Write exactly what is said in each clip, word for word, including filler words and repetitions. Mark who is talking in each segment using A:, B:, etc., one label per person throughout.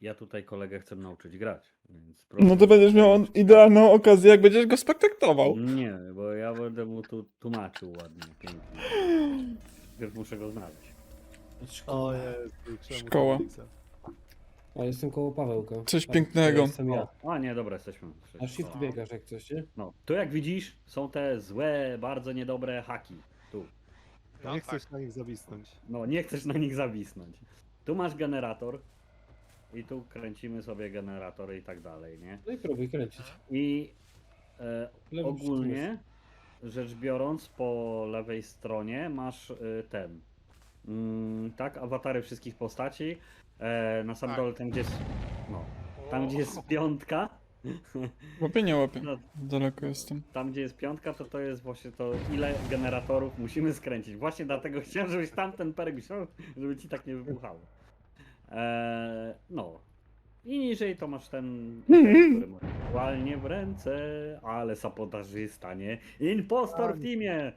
A: ja tutaj kolegę chcę nauczyć grać, więc
B: No to
A: proszę-
B: będziesz miał idealną okazję, jak będziesz go spektaktował.
A: Nie, bo ja będę mu tu tłumaczył ładnie, pięknie. Najpierw muszę go znaleźć.
C: O Jezu, czemu to
B: Szkoła.
C: widzę?
D: A jestem koło Pawełka.
B: Coś
D: A,
B: pięknego.
D: to Jestem ja.
A: O, a nie, dobra, jesteśmy.
D: A shift biegasz jak coś, nie?
A: No, tu jak widzisz, są te złe, bardzo niedobre haki. Tu.
C: Ja nie chcesz na nich zawisnąć.
A: No, nie chcesz na nich zawisnąć. Tu masz generator i tu kręcimy sobie generatory i tak dalej, nie?
D: No i próbuj kręcić.
A: I e,
D: Lewym
A: ogólnie rzecz biorąc, po lewej stronie masz y, ten, mm, tak, awatary wszystkich postaci. E, na sam
E: Tak.
A: dole, tam gdzie jest, no, tam gdzie jest piątka,
B: Łapie, nie łapie.
A: no,
B: Daleko jestem.
A: tam gdzie jest piątka, to to jest właśnie to, ile generatorów musimy skręcić. Właśnie dlatego chciałem, żebyś tamten perek wziął, żeby ci tak nie wybuchało. E, no. I niżej to masz ten, który ma aktualnie w ręce, ale sabotażysta, nie? Impostor w teamie!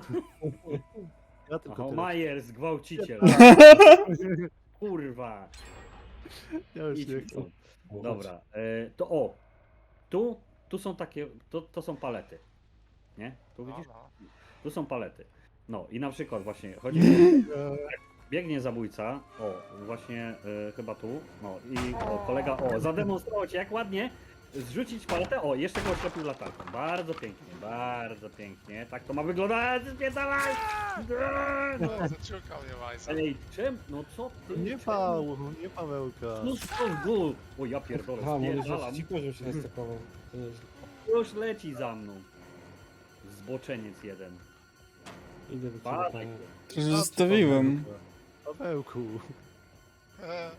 C: Ja tylko
A: Oho,
C: tyle.
A: Myers, gwałciciel. Kurwa.
C: Ja już
A: Idź
C: nie
A: mi
C: chcę.
A: stąd. Dobra, e, to o. Tu, tu są takie, to, to są palety. Nie? Tu
E: No,
A: widzisz?
E: no.
A: Tu są palety. No i na przykład właśnie chodzi mi o, biegnie zabójca, o właśnie e, chyba tu, no i o kolega, o zademonstrować jak ładnie zrzucić paletę, o jeszcze go oślepił latarką, bardzo pięknie, bardzo pięknie, tak to ma wyglądać, spierdalaj!
E: No, zaciukał mnie Majsa.
A: Ej, czym? No co ty?
C: Nie
A: czemu?
C: Paweł, nie Pawełka.
A: No co w gól? O ja pierdolę,
D: Aha, może
A: spierdalam,
D: ci poziom się roztakował. To nieźle.
A: już leci za mną. Zboczeniec jeden.
D: Idę do ciebie.
A: Padaj.
D: Paweł.
B: To się zostawiłem.
C: Pawełku.
E: E,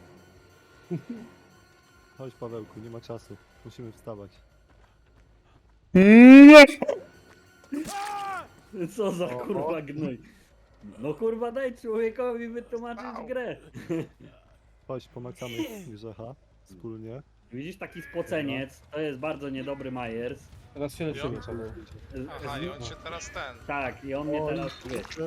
C: Chodź Pawełku, nie ma czasu. Musimy wstawać.
B: Mm.
A: Co za
C: O,
A: kurwa gnój. No kurwa daj człowiekowi wytłumaczyć
E: Au.
A: grę.
C: Chodź, pomacamy Grzecha wspólnie.
A: Widzisz taki spoceniec, to jest bardzo niedobry Myers.
D: Teraz się leczymy,
E: Ja-
D: Paweł.
A: Z-
E: aha,
A: z-
E: i on się teraz ten.
A: Tak, i on mnie
C: O,
A: teraz wie.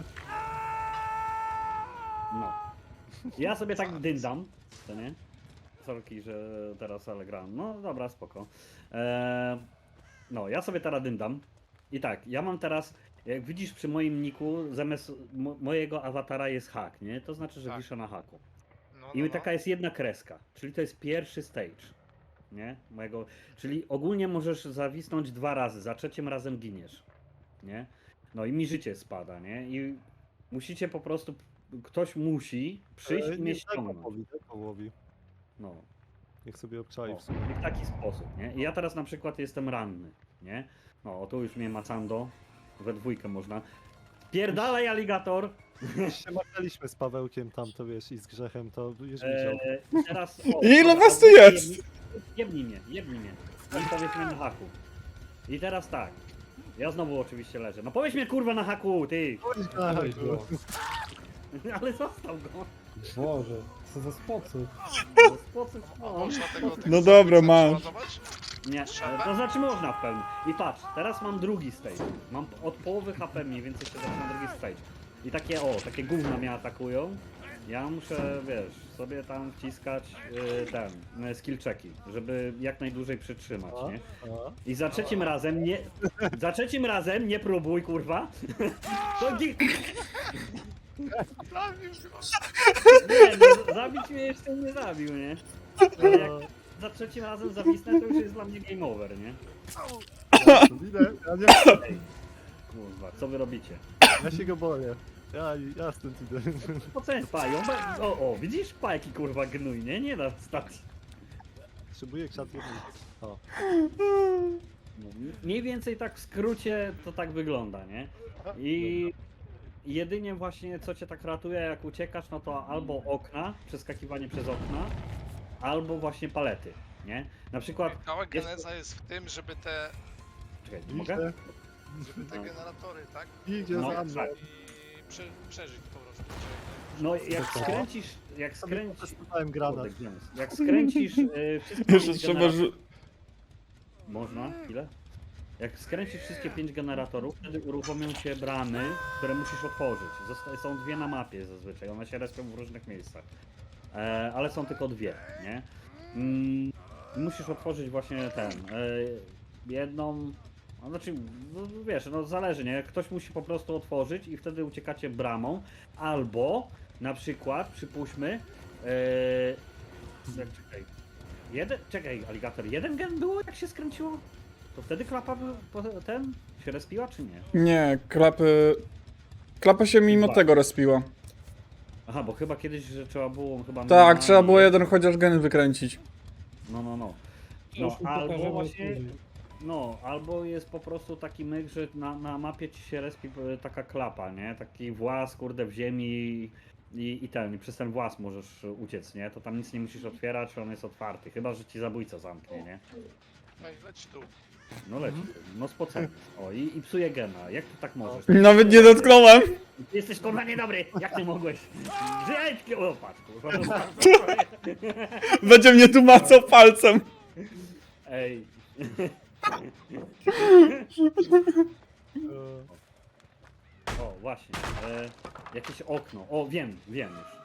A: No. Ja sobie tak dyndam, to nie? Sorki, że teraz ale gram. No dobra, spoko. Eee, no, ja sobie teraz dyndam. I tak, ja mam teraz, jak widzisz przy moim niku, zamiast mo mojego awatara jest hak, nie? To znaczy, że
E: Tak.
A: wiszę na haku.
E: No,
A: I
E: no,
A: taka
E: no.
A: jest jedna kreska, czyli to jest pierwszy stage, nie? Mojego, czyli ogólnie możesz zawisnąć dwa razy, za trzecim razem giniesz, nie? No i mi życie spada, nie? I musicie po prostu, ktoś musi przyjść
C: E,
A: i mnie
C: nie, daj
A: ściągnąć.
C: Pawłowi, daj Pawłowi.
A: No,
C: Niech sobie obczai
A: o,
C: w sumie.
A: i w taki sposób, nie? I ja teraz na przykład jestem ranny, nie? No, o tu już mnie macando, we dwójkę można. Pierdalaj aligator!
C: Już się macaliśmy z Pawełkiem tam, to wiesz, i z Grzechem, to już widział.
A: Eee, i teraz, o,
B: Ile
A: dobra,
B: was tu
A: jebnij-
B: jest?
A: Jebnij mnie, jebnij mnie. I powiedzmy na haku. I teraz tak. Ja znowu oczywiście leżę. No powiedz mnie kurwa na haku, ty!
C: Chodź,
D: Weź
C: Grzech.
D: go.
A: Ale został go.
D: Boże, co za sposób.
A: No, sposób,
E: A
A: no,
E: można tego, tego
B: No dobra,
E: sobie
B: masz.
E: przeładować?
A: nie, e, to znaczy można w pełni. I patrz, teraz mam drugi stage. Mam od połowy H P mniej więcej się zaczyna drugi stage. I takie o, takie gówna mnie atakują. Ja muszę, wiesz, sobie tam wciskać y, ten, y, skill checki, żeby jak najdłużej przytrzymać,
C: A,
A: nie?
C: a.
A: I za trzecim razem nie. Za trzecim razem nie próbuj, kurwa. To gi-
E: Zabił go.
A: nie, no, zabić mnie jeszcze nie zabił, nie? Ale jak za trzecim razem zawisnę, to już jest dla mnie game over, nie?
C: Idę, ja, nie,
A: Ej, kurwa, co wy robicie?
C: ja się go boję. Ja, ja stąd idę.
A: Po co jest pa? ją be- O, o, widzisz? Pa, jaki kurwa gnój, nie? Nie da stać.
C: Potrzebuję krzat jednej. O,
A: No, mniej więcej tak w skrócie to tak wygląda, nie? I jedynie właśnie co cię tak ratuje jak uciekasz, no to albo okna, przeskakiwanie przez okna, albo właśnie palety, nie? Na przykład,
E: Cała
A: jest-
E: geneza jest w tym, żeby te,
A: czekaj, mogę?
C: idę,
E: żeby te
A: No.
E: generatory, tak?
C: idzie
A: No,
C: za mną.
A: tak.
E: I prze, przeżyć po prostu.
A: No jak
C: Co?
A: skręcisz, jak
C: Sobie
A: skręcisz,
C: przetestowałem granat.
A: Kurde, gdzie on jest? Jak skręcisz y, wszystkie
B: Jeszcze
A: pięć
B: trzeba
A: generatorów,
B: rzu-
A: można? Ile? Jak skręcisz wszystkie pięć generatorów, wtedy uruchomią się bramy, które musisz otworzyć. Zosta- są dwie na mapie zazwyczaj, one się respią w różnych miejscach. E, ale są tylko dwie, nie? mm, musisz otworzyć właśnie ten, e, jedną, a znaczy, no, wiesz, no zależy, nie? Ktoś musi po prostu otworzyć i wtedy uciekacie bramą, albo na przykład, przypuśćmy, e, jak, czekaj, jeden, czekaj, aligator, jeden gen było jak się skręciło? To wtedy klapa był, po- ten, się respiła czy nie?
B: Nie, klapy... Klapa się mimo
A: Dwa.
B: tego respiła.
A: Aha, bo chyba kiedyś, że trzeba było chyba...
B: Tak,
A: minimalnie-
B: trzeba było jeden chociaż gen wykręcić.
A: No, no, no.
D: Już
A: No,
D: mu
A: albo
D: pokażemy
A: właśnie,
D: później.
A: no, albo jest po prostu taki myk, że na, na mapie ci się respi e, taka klapa, nie? Taki włas, kurde, w ziemi i, i ten, i przez ten włas możesz uciec, nie? To tam nic nie musisz otwierać, on jest otwarty, chyba, że ci zabójca zamknie, nie?
E: No i leć tu.
A: No leci, no spocony. O, i, i psuje gena, jak ty tak możesz?
B: Nawet nie dotknąłem.
A: Ty jesteś kurwa niedobry, jak ty mogłeś? Żyjcie, o patrz, kurwa.
B: Będzie mnie tu macał palcem.
A: Ej. O, właśnie. E, jakieś okno. O, wiem, wiem już.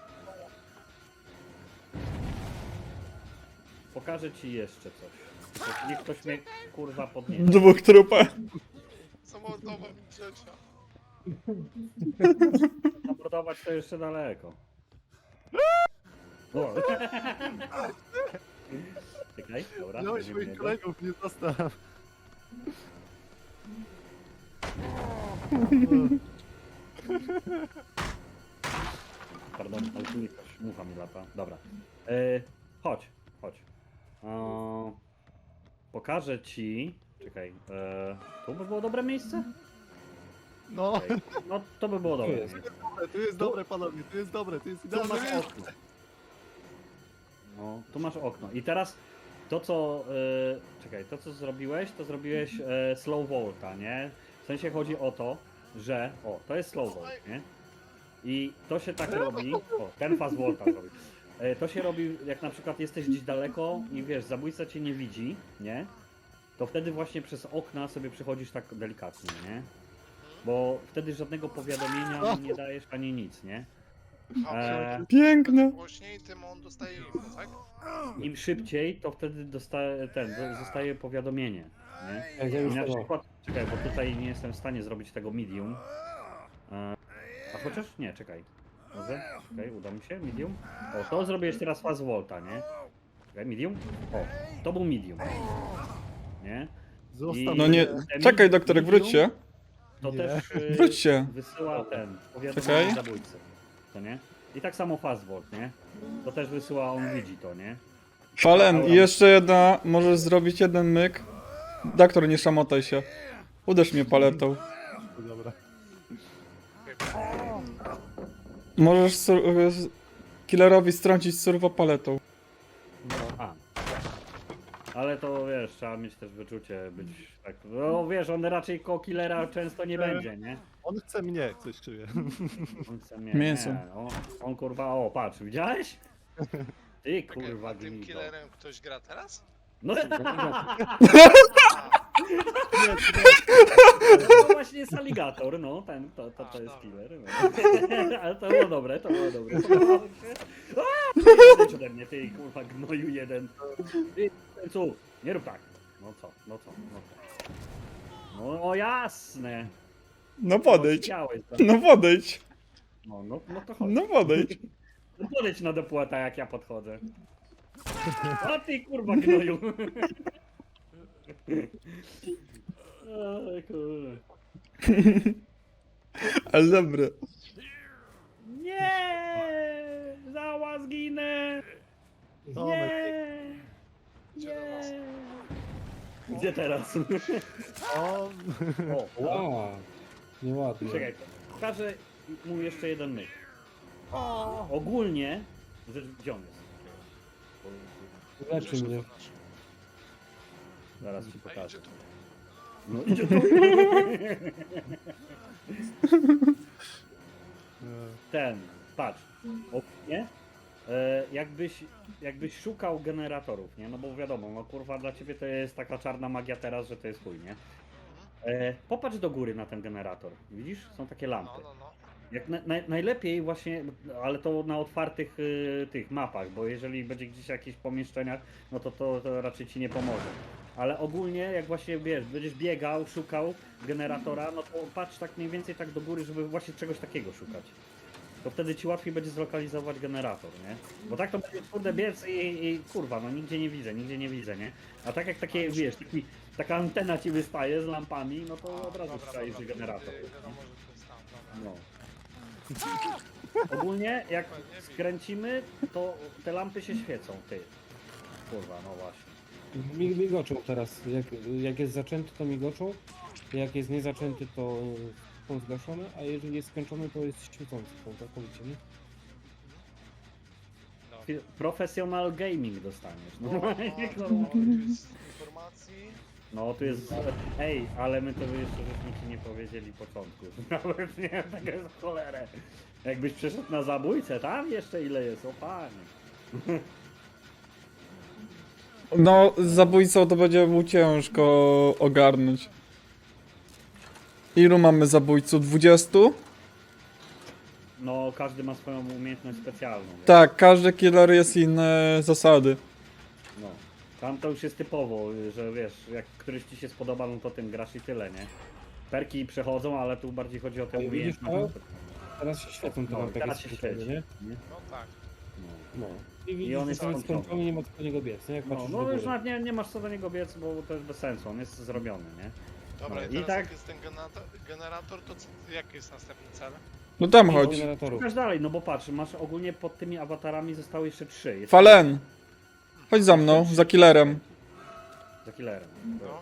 A: Pokażę ci jeszcze coś. Tylko niech ktoś mnie kurwa podniesie.
B: Dwóch trupach.
E: Zamordował mi trzecia.
A: Zamordować to jeszcze daleko. O. Czekaj, dobra.
C: Miałeś
A: będziemy
C: moich
A: jego.
C: kolegów, nie zostaw.
A: Pardon, ale tu jakaś mucha mi lata. Dobra. E, chodź, chodź. E, pokażę ci. Czekaj. E, tu by było dobre miejsce?
C: No,
A: Okej. No to by było dobre
D: jest.
A: miejsce.
C: tu jest dobre panowie, tu jest dobre, tu jest
A: Tu
C: idealne
A: masz
C: miejsce.
A: okno. No, tu masz okno. I teraz to co. E, czekaj, to co zrobiłeś, to zrobiłeś e, slow volta, nie? W sensie chodzi o to, że. O, to jest slow volt, nie? I to się tak robi. O, ten fast volta zrobi. E, To się robi, jak na przykład jesteś gdzieś daleko i wiesz, zabójca cię nie widzi, nie? To wtedy właśnie przez okna sobie przechodzisz tak delikatnie, nie? Bo wtedy żadnego powiadomienia mu nie dajesz ani nic, nie?
E: A
A: E,
B: Piękne.
E: głośniej, tym on dostaje info, tak?
A: Im szybciej, to wtedy dostaje, ten, do- zostaje powiadomienie, nie?
D: Jak ja
A: I
D: już
A: na
D: to.
A: przykład, czekaj, bo tutaj nie jestem w stanie zrobić tego medium. E, A chociaż nie, czekaj. Może? Czekaj, uda mi się? Medium? O, to zrobię jeszcze raz fast volta, nie? Czekaj, medium? O, to był medium. Nie?
C: Zostaw
B: No
A: I-
B: nie, czekaj doktorek, wróć się.
A: To
C: Nie.
A: też y,
B: Wróć się.
A: wysyła ten
B: Czekaj.
A: powiadomienie zabójcy. To nie? I tak samo fast volt, nie? To też wysyła, on widzi to, nie?
B: Falen, i jeszcze jedna, możesz zrobić jeden myk. Doktor, nie szamotaj się. Uderz mnie paletą.
C: Dobra.
B: Możesz sur- killerowi strącić surwa paletą.
A: A. Ale to wiesz, trzeba mieć też wyczucie, być tak. No wiesz, on raczej koło killera często nie będzie, nie?
C: On chce mnie, coś czuję.
A: On chce mnie,
B: Mięso.
A: Nie, on, on kurwa, o patrz, widziałeś? Ty
E: Czekaj,
A: kurwa
E: a tym
A: gnido.
E: killerem ktoś gra teraz?
A: No,
E: A,
A: no właśnie jest aligator, no ten, to, to, to jest killer. No. Ale to było dobre, to było dobre. Podobało mi się. A, Odejdź ode mnie, ty kurwa gnoju jeden. Ty, co? Nie rób tak. No co, no co, no co. No o jasne.
B: No podejdź.
A: Chciałeś, tak.
B: No podejdź.
A: No, no, no to chodź.
B: No podejdź.
A: No podejdź na dopłata jak ja podchodzę. A ty kurwa gnoju. Oj, kurde.
B: Ale dobre.
A: Nie! Zała zginę! Nie!
E: Gdzie teraz?
A: Gdzie teraz?
C: O,
A: O,
D: Wow. Nieładnie.
A: czekaj, pokażę mu jeszcze jeden myk. Ogólnie, rzecz, gdzie on jest?
D: Leczy mnie.
A: Zaraz ci
E: A
A: pokażę.
E: idzie tu.
A: No idzie tu. Ten, patrz, ogólnie, e, jakbyś, jakbyś szukał generatorów, nie? No bo wiadomo, no kurwa dla ciebie to jest taka czarna magia teraz, że to jest chuj, nie? E, popatrz do góry na ten generator, widzisz? Są takie
E: No,
A: lampy.
E: no, no.
A: Jak na, naj, najlepiej właśnie, ale to na otwartych y, tych mapach, bo jeżeli będzie gdzieś w jakichś pomieszczeniach, no to, to to raczej ci nie pomoże. Ale ogólnie jak właśnie wiesz, będziesz biegał, szukał generatora, no to patrz tak mniej więcej tak do góry, żeby właśnie czegoś takiego szukać. To wtedy ci łatwiej będzie zlokalizować generator, nie? Bo tak to będzie kurde biec i, i kurwa, no nigdzie nie widzę, nigdzie nie widzę, nie? A tak jak takie, wiesz, taki, taka antena ci wystaje z lampami, no to od razu strzelisz
E: dobra,
A: generator.
E: wtedy wiadomo, że to jest tam, dobra.
A: No. Ogólnie jak skręcimy, to te lampy się świecą, ty. Kurwa, no właśnie.
D: Mi- Migoczą teraz. Jak, jak jest zaczęty, to migoczą. Jak jest niezaczęty, to y, są zgaszone, a jeżeli jest skończony, to jest świecący. To całkowicie, nie?
A: Fi- Professional gaming dostaniesz. No,
E: No, no, no, tu jest informacji.
A: no tu jest. Ej, ale my to jeszcze żeśmy ci nie powiedzieli początku. Nawet nie wiem, taka jest cholerę. Jakbyś przeszedł na zabójcę, tam jeszcze ile jest, o panie.
B: No, z zabójcą to będzie mu ciężko ogarnąć. Ilu mamy zabójców? dwudziestu?
A: No każdy ma swoją umiejętność specjalną. wiesz?
B: Tak, każdy killer jest inne zasady.
A: No. Tam to już jest typowo, że wiesz, jak któryś ci się spodoba, no to tym grasz i tyle, nie? Perki przechodzą, ale tu bardziej chodzi o tę
D: A widzisz,
A: umiejętność.
D: Teraz się świecą te
A: No,
D: lampy, jak
A: teraz
D: jest
A: się
D: skończony,
A: świeci.
D: nie?
E: No tak.
A: No.
D: No. I widzisz,
A: I on
D: że
A: jest
D: tam jest
A: skończony.
D: skończony, nie ma co do niego biec, nie? Jak
A: No,
D: patrzysz
A: no
D: do
A: już
D: góry.
A: nawet nie, nie masz co do niego biec, bo to jest bez sensu, on jest zrobiony, nie?
E: Dobra,
A: No,
E: i
A: i
E: teraz
A: tak-
E: jak jest ten generator, generator to co, jaki jest następny cel?
B: No tam
D: Do
B: chodź.
D: generatorów.
A: Szukasz dalej, no bo patrz, masz ogólnie pod tymi awatarami zostały jeszcze trzy. Jest
B: Falen! Chodź za mną, za killerem.
A: Za killerem.
E: No.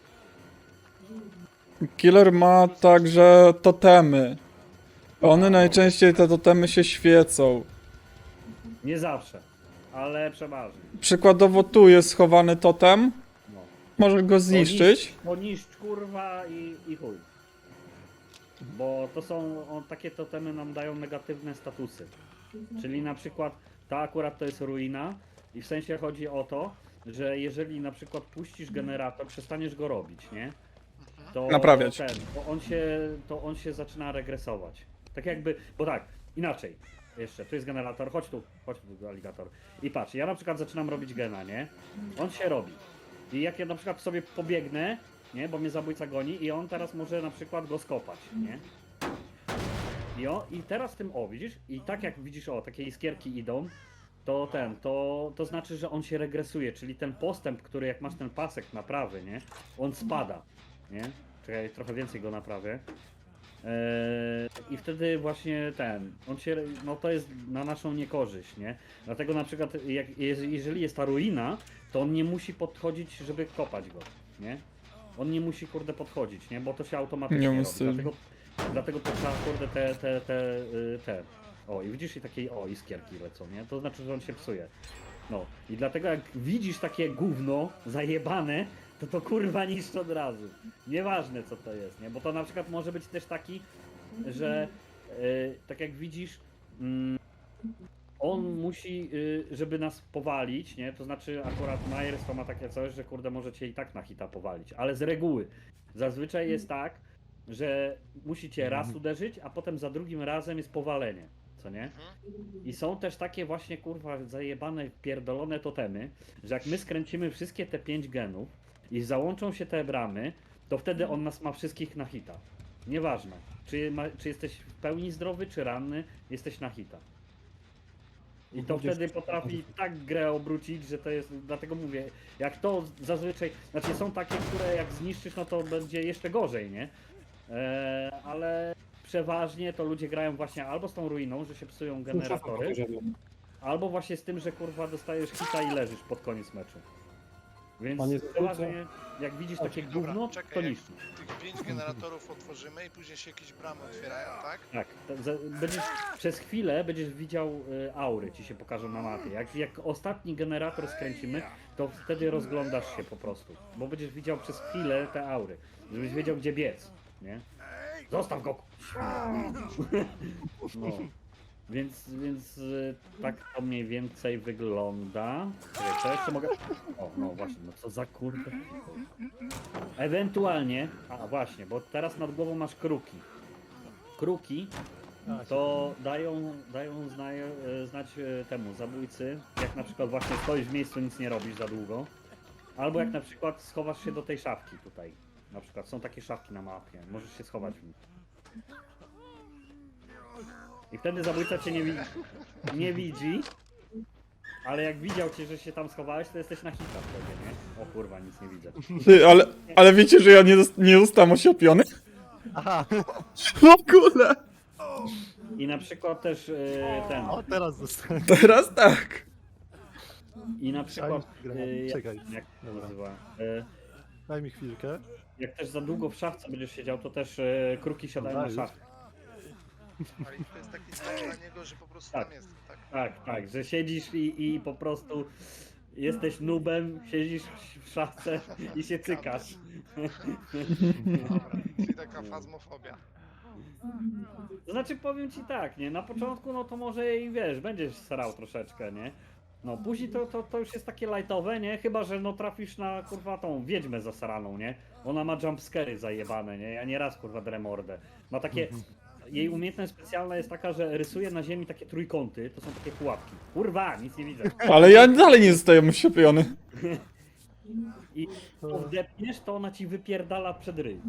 B: Killer ma także totemy. One najczęściej, te totemy się świecą.
A: Nie zawsze, ale przeważnie.
B: Przykładowo tu jest schowany totem.
A: No.
B: Może go zniszczyć.
A: Poniszcz kurwa i, i chuj. Bo to są, o, takie totemy nam dają negatywne statusy. Czyli na przykład ta akurat to jest ruina i w sensie chodzi o to, że jeżeli na przykład puścisz generator, przestaniesz go robić, nie? To
B: Naprawiać.
A: Ten, to, on się, to on się zaczyna regresować. Tak jakby, bo tak, inaczej. Jeszcze, tu jest generator, chodź tu, chodź tu aligator. I patrz, ja na przykład zaczynam robić gena, nie? On się robi. I jak ja na przykład sobie pobiegnę, nie, bo mnie zabójca goni i on teraz może na przykład go skopać, nie? I, o, i teraz tym, o widzisz, i tak jak widzisz, o, takie iskierki idą, to ten, to, to znaczy, że on się regresuje, czyli ten postęp, który jak masz ten pasek naprawy, nie, on spada, nie? Czekaj, trochę więcej go naprawię. Eee, I wtedy właśnie ten, on się, no to jest na naszą niekorzyść, nie? Dlatego na przykład, jak, jeżeli jest ta ruina, to on nie musi podchodzić, żeby kopać go, nie? On nie musi, kurde, podchodzić, nie? Bo to się automatycznie
B: Nie
A: robi.
B: musi.
A: Dlatego, dlatego to trzeba, kurde, te, te, te, y, te. O, i widzisz, i takie, o, iskierki lecą, nie? To znaczy, że on się psuje. No, i dlatego jak widzisz takie gówno zajebane, to to kurwa niszcz od razu. Nieważne co to jest, nie? Bo to na przykład może być też taki, że y, tak jak widzisz, mm, on musi, y, żeby nas powalić, nie? To znaczy akurat Myers to ma takie coś, że kurde może cię i tak na hita powalić, ale z reguły zazwyczaj jest tak, że musi cię raz uderzyć, a potem za drugim razem jest powalenie, co nie? I są też takie właśnie kurwa zajebane, pierdolone totemy, że jak my skręcimy wszystkie te pięć genów i załączą się te bramy, to wtedy on nas ma wszystkich na hita. Nieważne, czy, ma, czy jesteś w pełni zdrowy, czy ranny, jesteś na hita. I to
D: Chociaż-
A: wtedy potrafi tak grę obrócić, że to jest, dlatego mówię, jak to zazwyczaj, znaczy są takie, które jak zniszczysz, no to będzie jeszcze gorzej, nie? Eee, ale przeważnie to ludzie grają właśnie albo z tą ruiną, że się psują generatory, albo właśnie z tym, że kurwa dostajesz hita i leżysz pod koniec meczu. Więc
D: Panie
A: przeważnie jak widzisz takie
E: Dobra,
A: gówno,
E: czekaj,
A: to
E: jak
A: niszczysz.
E: Tych pięć generatorów otworzymy i później się jakieś bramy otwierają, tak?
A: Tak, to za- będziesz, przez chwilę będziesz widział y, aury, ci się pokażą na mapie. Jak, jak ostatni generator skręcimy, to wtedy rozglądasz się po prostu. Bo będziesz widział przez chwilę te aury, żebyś wiedział gdzie biec, nie? Zostaw go! No. Więc, więc y, tak to mniej więcej wygląda. Czekaj, co jeszcze mogę... O, no właśnie, no co za kurde. Ewentualnie, a właśnie, bo teraz nad głową masz kruki. Kruki
C: A,
A: to dają, dają zna, e, znać e, temu zabójcy, jak na przykład właśnie stoisz w miejscu, nic nie robisz za długo, albo jak na przykład schowasz się do tej szafki tutaj. Na przykład są takie szafki na mapie, możesz się schować w nich. I wtedy zabójca cię nie, wi nie widzi, ale jak widział cię, że się tam schowałeś, to jesteś na hita wtedy, nie? O kurwa, nic nie widzę.
B: Ty, ale, ale wiecie, że ja nie, zost- nie zostałem osiopiony?
C: Aha,
B: W ogóle!
A: I na przykład też e, ten,
C: o teraz zostałem.
B: Teraz tak.
A: i na przykład,
C: Grałem.
A: e, jak,
C: Czekaj.
A: jak to
C: Dobra.
A: nazywa? E,
C: Daj mi chwilkę.
A: Jak też za długo w szafce będziesz siedział, to też e, kruki siadają na
C: Dajesz.
A: szafkę.
E: Ale to jest taki znak dla niego, że po prostu
A: Tak.
E: tam jest, tak?
A: Tak, tak, że siedzisz i, i po prostu jesteś nubem, siedzisz w szafce i się cykasz.
E: Dobra, czyli taka fazmofobia.
A: To znaczy powiem ci tak, nie, na początku no to może i wiesz, będziesz starał troszeczkę, nie? No później to, to, to już jest takie lightowe, nie? Chyba, że no trafisz na kurwa tą wiedźmę zasaraną, nie? Ona ma jumpscary zajebane, nie? Ja nieraz kurwa drę mordę. Ma takie... Jej umiejętność specjalna jest taka, że rysuje na ziemi takie trójkąty, to są takie pułapki. Kurwa, nic nie widzę.
B: Ale ja dalej nie zostałem osiopiony.
A: I jak wdepniesz, to ona ci wypierdala przed ryj.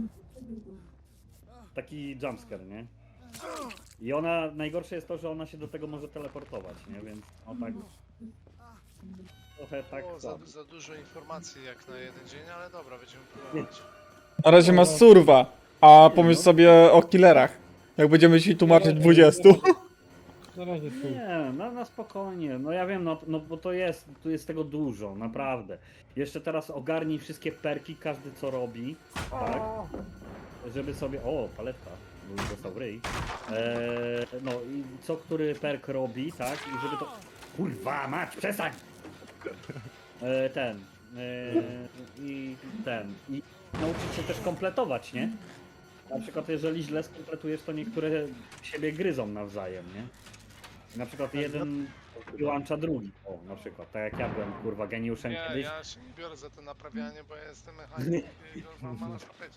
A: Taki jumpscare, nie? I ona, najgorsze jest to, że ona się do tego może teleportować, nie? Więc o tak... Trochę tak...
E: O, za,
A: za-
E: za dużo informacji jak na jeden dzień, ale dobra, będziemy próbować.
B: Na razie masz surwa, a pomyśl sobie o killerach. Jak będziemy ci tłumaczyć dwudziestu.
D: Na razie tu.
A: Nie, no na spokojnie. No ja wiem, no, no bo to jest, tu jest tego dużo, naprawdę. Jeszcze teraz ogarnij wszystkie perki, każdy co robi, tak? Żeby sobie... O, paletka, bo już dostał w ryj. Eee, no i co który perk robi, tak? I żeby to... Kurwa, mać, przestań! Eee, ten... Eee, I ten... I nauczyć się też kompletować, nie? Na przykład jeżeli źle skompletujesz, to niektóre siebie gryzą nawzajem, nie? Na przykład jeden wyłącza drugi. O, na przykład, tak jak ja byłem, kurwa, geniuszem
E: Nie,
A: kiedyś.
E: ja się nie biorę za to naprawianie, bo ja jestem mechanikiem i mam ma na tapecie.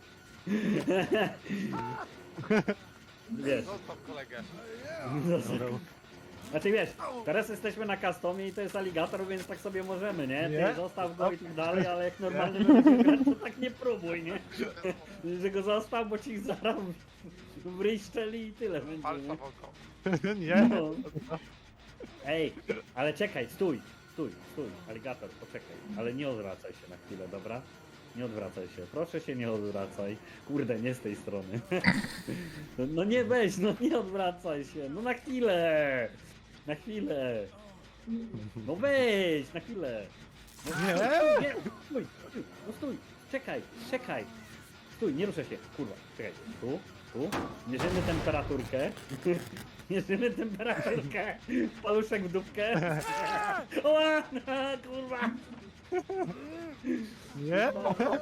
A: Wiesz,
E: Zostaw kolegę.
A: znaczy wiesz, teraz jesteśmy na customie i to jest aligator, więc tak sobie możemy, nie?
C: Nie?
A: Ty zostaw go i tak dalej, ale jak normalny będziesz grać, to tak nie próbuj, nie? Że go zostaw, bo ci zaraz w ryj szczeli i tyle będzie,
E: Alfa
A: nie?
E: w oko.
C: Nie?
A: No. Ej, ale czekaj, stój, stój, stój, aligator, poczekaj, ale nie odwracaj się na chwilę, dobra? Nie odwracaj się, proszę się nie odwracaj. Kurde, nie z tej strony. No nie weź, no nie odwracaj się, no na chwilę! Na chwilę! No weź, na chwilę! No,
C: Nie?
A: Stój, nie, stój, stój, no stój, czekaj, czekaj. Stój, nie ruszę się, kurwa, czekaj, tu, tu, mierzymy temperaturkę. Mierzymy temperaturkę. Paluszek w dupkę. Oła, kurwa.
C: Nie?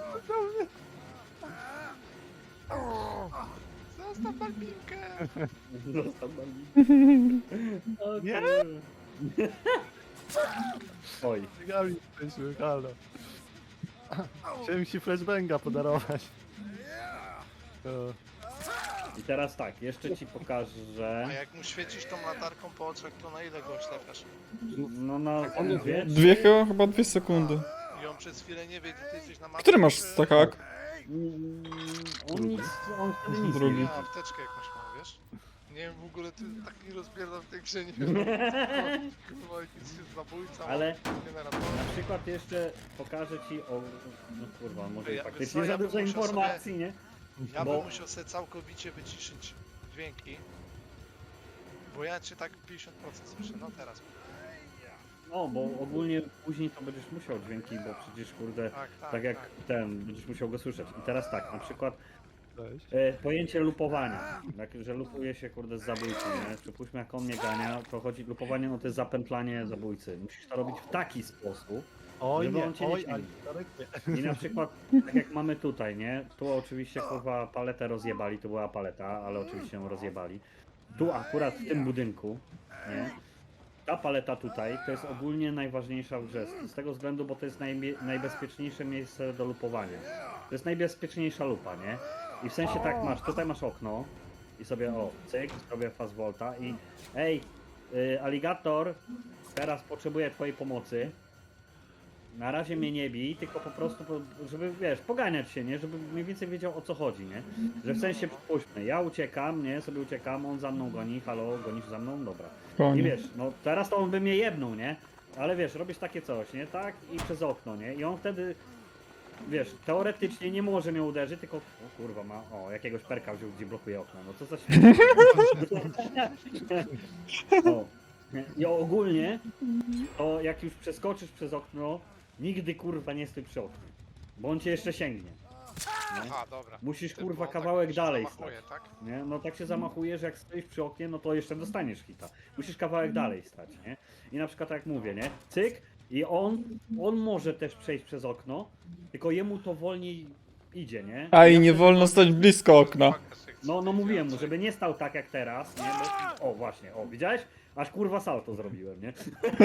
E: Zostaw balbinkę!
A: Został nami. O,
C: Nie?
A: kurwa. Oj,
C: Biegami jesteśmy, halo. Chciałem ci flashbanga podarować. O,
A: i teraz tak, jeszcze ci pokażę.
E: A jak mu świecisz tą latarką po oczach, to na ile go oślepiasz?
A: No na
D: on jest
A: dwie,
B: Dwie chyba, chyba dwie sekundy.
E: I on przez chwilę nie wie, gdzie ty jesteś na mapie.
B: Który masz
E: czy-
B: stakak?
A: Mm, On nic, on wtedy nic
B: Drugi.
A: nie
E: Ja
A: wie.
E: apteczkę jakąś mam, wiesz? Nie wiem, w ogóle ty tak nie rozpierdam w tej grze, nie wiem. Kurwa, jakiś jest zabójca,
A: Ale
E: generator.
A: na przykład jeszcze pokażę ci o... No kurwa, może
E: Ja-
A: faktycznie
E: wiesz co,
A: za
E: ja bym
A: dużo
E: musiał
A: informacji, nie?
E: Ja
A: Bo-
E: bym musiał sobie całkowicie wyciszyć dźwięki. Bo ja cię tak pięćdziesiąt procent słyszę, no teraz.
A: No, bo ogólnie później to będziesz musiał dźwięki, bo przecież kurde,
E: Tak, tak,
A: tak jak
E: tak.
A: ten, będziesz musiał go słyszeć. I teraz tak, na przykład
C: cześć.
A: e, pojęcie lupowania, tak, że lupuje się kurde z zabójcą, nie? Przypuśćmy jak on mnie gania, to chodzi, lupowanie no to jest zapętlanie zabójcy. Musisz to robić w taki sposób,
C: Oj
A: żeby
C: nie,
A: on cię nie
C: oj,
A: śmielił.
C: ale nie.
A: i na przykład, tak jak mamy tutaj, nie? Tu oczywiście kurwa paletę rozjebali, to była paleta, ale oczywiście ją rozjebali. Tu akurat w tym budynku, nie? Ta paleta tutaj to jest ogólnie najważniejsza w grze, z tego względu, bo to jest najbie- najbezpieczniejsze miejsce do lupowania. To jest najbezpieczniejsza lupa, nie? I w sensie tak masz, tutaj masz okno, i sobie o, cyk, sobie fast volta i ej, y, aligator, teraz potrzebuję twojej pomocy. Na razie mnie nie bij, tylko po prostu, po- żeby wiesz, poganiać się, nie? Żeby mniej więcej wiedział o co chodzi, nie? Że w sensie przypuśćmy, ja uciekam, nie? Sobie uciekam, on za mną goni, halo, gonisz za mną? Dobra. I
B: Koniec.
A: wiesz, no teraz to on by mnie jebnął, nie? Ale wiesz, robisz takie coś, nie? Tak i przez okno, nie? I on wtedy, wiesz, teoretycznie nie może mnie uderzyć, tylko, o kurwa, ma, o, jakiegoś perka wziął, gdzie blokuje okno, no co za śmiech. O. nie? I ogólnie, to jak już przeskoczysz przez okno, nigdy kurwa nie stój przy oknie, bo on cię jeszcze sięgnie. Nie?
E: Aha, dobra.
A: Musisz
E: Ty, bo
A: kurwa
E: on
A: kawałek
E: się
A: dalej
E: zamachuje,
A: stać.
E: tak?
A: Nie? No tak się zamachujesz, jak stoisz przy oknie, no to jeszcze dostaniesz hita. Musisz kawałek dalej stać, nie? I na przykład tak jak mówię, nie? Cyk i on, on może też przejść przez okno, tylko jemu to wolniej idzie, nie?
B: A i
A: Ja
B: nie
A: wtedy-
B: wolno stać blisko okna.
A: No, no mówiłem mu, żeby nie stał tak jak teraz, nie? Bo, o właśnie, o widziałeś? Aż kurwa salto zrobiłem, nie?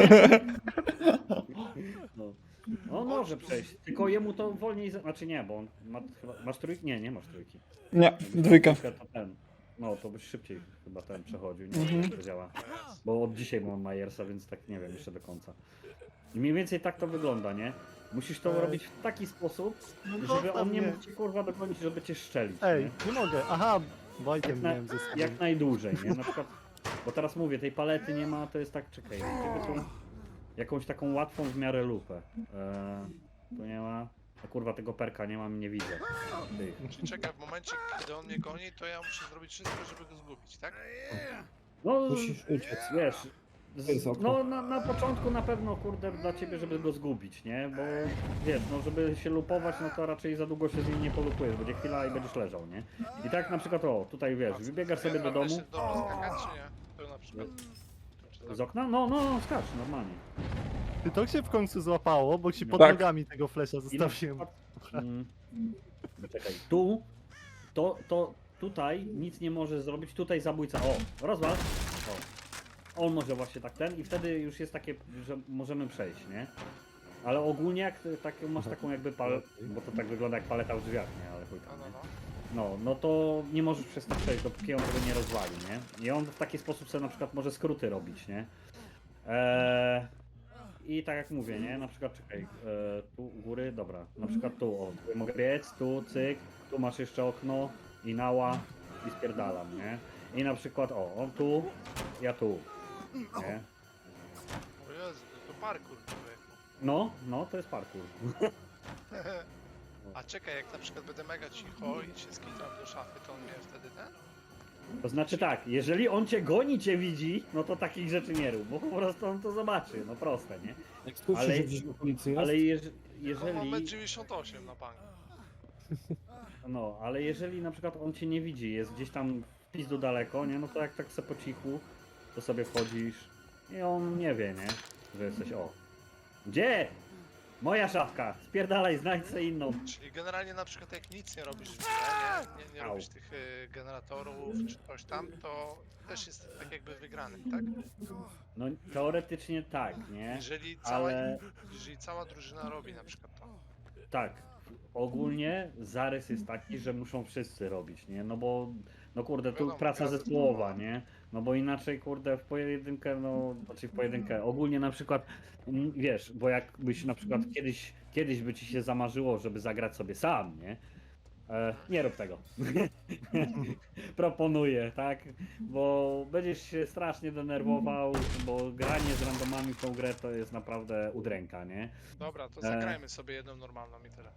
A: No. On może przejść, tylko jemu to wolniej, za- znaczy nie, bo on ma chyba, masz trójki? Nie, nie masz trójki.
B: Nie, dwójka.
A: To ten, no to byś szybciej chyba ten przechodził, nie wiem jak to działa. Bo od dzisiaj mam Majersa, więc tak nie wiem jeszcze do końca. I mniej więcej tak to wygląda, nie? Musisz to
C: Ej.
A: robić w taki sposób,
C: No
A: żeby
C: zostaw
A: on nie
C: mnie.
A: mógł cię kurwa dogonić, żeby cię szczelić.
C: Ej,
A: nie?
C: nie mogę. Aha,
A: Jak,
C: Wojtem
A: na,
C: miałem ze sobą.
A: jak najdłużej, nie? Na przykład, bo teraz mówię, tej palety nie ma, to jest tak, czekaj, jakby tu jakąś taką łatwą w miarę lupę. Eee, tu nie ma, a kurwa tego perka nie mam, nie widzę. Tych.
E: Czyli czekaj, w momencie, kiedy on mnie goni, to ja muszę zrobić wszystko, żeby go zgubić, tak?
A: No,
D: Musisz uciec.
A: wiesz,
D: To jest
A: z,
D: okno.
A: no na, na początku na pewno kurde dla ciebie, żeby go zgubić, nie? Bo wiesz, no żeby się lupować, no to raczej za długo się z nim nie polupujesz, będzie chwila i będziesz leżał, nie? I tak na przykład o, tutaj wiesz, wybiegasz sobie do
E: Ja mam
A: domu
E: się do mnie skakać, czy nie? To na przykład. Czy tak?
A: z okna, no, no, no skacz, normalnie.
C: Ty to się w końcu złapało, bo ci pod
B: Tak.
C: nogami tego flesza
A: I na
C: zostawiłem.
A: przykład, mm, czekaj, tu, to, to, tutaj nic nie może zrobić, tutaj zabójca, o, rozwal, o. On może właśnie tak ten i wtedy już jest takie, że możemy przejść, nie? Ale ogólnie jak ty- tak, masz taką jakby pal, bo to tak wygląda jak paleta w drzwiach, nie? Ale chuj
E: No,
A: tam,
E: no,
A: nie?
E: no.
A: No, no to nie możesz przez to przejść, dopóki on tego nie rozwali, nie? I on w taki sposób sobie na przykład może skróty robić, nie? Eee, I tak jak mówię, nie? Na przykład, czekaj, eee, tu u góry, dobra, na przykład tu, o, tu mogę biec, tu, cyk, tu masz jeszcze okno i nała i spierdalam, nie? I na przykład, o, on tu, ja tu, nie?
E: O Jezu, to, to parkour człowieku.
A: No, no, to jest parkour.
E: A czekaj, jak na przykład będę mega cicho i się skitam do szafy, to on mnie wtedy ten?
A: To znaczy tak, jeżeli on cię goni, cię widzi, no to takich rzeczy nie rób, bo po prostu on to zobaczy, no proste, nie?
D: Jak słyszysz,
A: Ale-
D: że gdzieś w okolicy jest,
A: Ale jeż,
E: No, mam metr
A: jeżeli,
E: dziewięćdziesiąt osiem na bank.
A: no, ale jeżeli na przykład on cię nie widzi, jest gdzieś tam w pizdu daleko, nie, no to jak tak se po cichu, to sobie wchodzisz i on nie wie, nie, że jesteś, o. Gdzie? Moja szafka, spierdalaj, znajdź sobie inną.
E: Czyli generalnie na przykład jak nic nie robisz w grze, nie, nie, nie
A: Au.
E: robisz tych y, generatorów czy coś tam, to też jest tak jakby wygrany, tak?
A: No teoretycznie tak, nie,
E: Jeżeli cała,
A: ale
E: jeżeli cała drużyna robi na przykład to.
A: tak, ogólnie zarys jest taki, że muszą wszyscy robić, nie? No bo, no kurde, tu
E: Wiadomo,
A: praca
E: każdy
A: zespołowa, nie? No bo inaczej, kurde, w pojedynkę, no, znaczy w pojedynkę, ogólnie na przykład, mm, wiesz, bo jakbyś na przykład kiedyś, kiedyś by ci się zamarzyło, żeby zagrać sobie sam, nie? E, nie rób tego. Proponuję, tak? Bo będziesz się strasznie denerwował, bo granie z randomami w tą grę to jest naprawdę udręka, nie?
E: Dobra, to
A: E.
E: zagrajmy sobie jedną normalną i tyle.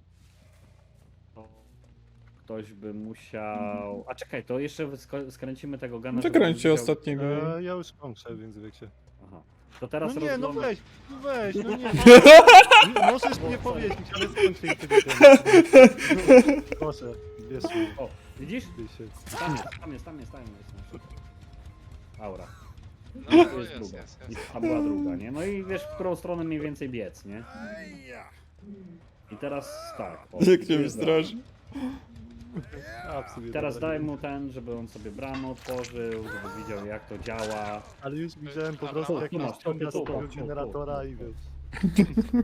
A: To ktoś by musiał. A czekaj, to jeszcze sko- skręcimy tego gana.
B: No
A: żeby
B: kręćcie
A: widział-
B: ostatniego.
C: E, ja już kończę, więc wiecie.
A: Aha. To teraz
C: No nie, no
A: rozgląda-
C: weź, no weź, no nie. nie możesz mnie powiedzieć, ale skończę tego tematu. Proszę, bierz mnie.
A: O, widzisz?
C: Ty się.
A: Tam jest, tam jest, tam jest, tam jest. Aura.
E: No
A: To
E: to
A: jest
E: jest,
A: druga.
E: jest,
A: I
E: jest.
A: ta była druga, nie? No i wiesz, w którą stronę mniej więcej biec, nie? I teraz tak. O,
B: Jak
A: tu
B: cię
A: jest
B: wystraszy.
C: A, w sumie
A: Teraz
C: dobra,
A: daj
C: nie.
A: mu ten, żeby on sobie bramę otworzył, żeby widział jak to działa.
C: Ale już widziałem po
E: Dobra,
C: prostu
A: tu,
C: jak
A: tu
C: masz
A: masz,
C: ciąga
A: tu,
C: z
A: tu,
C: tego
A: tu, tu,
C: generatora
A: tu,
C: i
A: tu.
C: wiesz.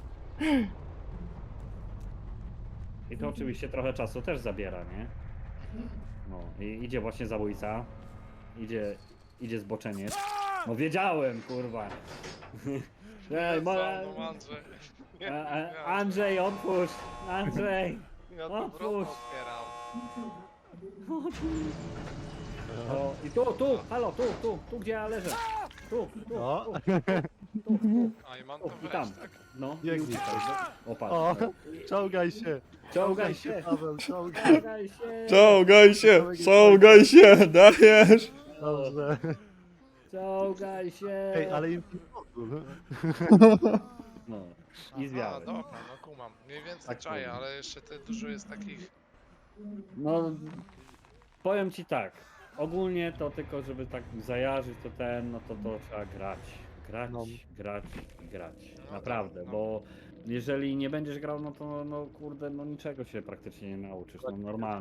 A: I to oczywiście trochę czasu też zabiera, nie? No i idzie właśnie zabójca. Idzie, idzie zboczeniec. No wiedziałem, kurwa. Ej,
E: Nie,
A: mo-
E: za mną Andrzej. Nie,
A: E, e,
E: nie,
A: Andrzej, otwórz! Andrzej!
E: Ja tu
A: otwórz.
E: wrota otwieram.
A: O, i tu, tu, halo, tu, tu, tu gdzie ja leżę. Tu, tu,
C: No.
A: tu, tu, tu,
E: A i mam
A: tu,
E: to
A: i
E: wejść,
A: tam.
E: tak?
A: No, i
C: Biegnij.
A: uciekaj. O, patrz.
C: O,
A: no.
C: czołgaj się.
A: Czołgaj się!
C: Paweł, czołgaj.
A: Czołgaj się!
B: Czołgaj się, czołgaj się, dajesz!
C: Dobrze.
A: Czołgaj się!
C: Ej, ale im pomogł.
A: No, i
E: A,
A: zwiałem.
E: dobra, no kumam. Mniej więcej
A: Tak
E: czaję,
A: powiem.
E: ale jeszcze te dużo jest takich...
A: No, powiem ci tak. Ogólnie to tylko, żeby tak zajarzyć to ten, no to to trzeba grać. Grać,
C: No.
A: grać i grać.
E: No
A: Naprawdę,
E: tak, no.
A: bo jeżeli nie będziesz grał, no to no kurde, no niczego się praktycznie nie nauczysz. No normalnie.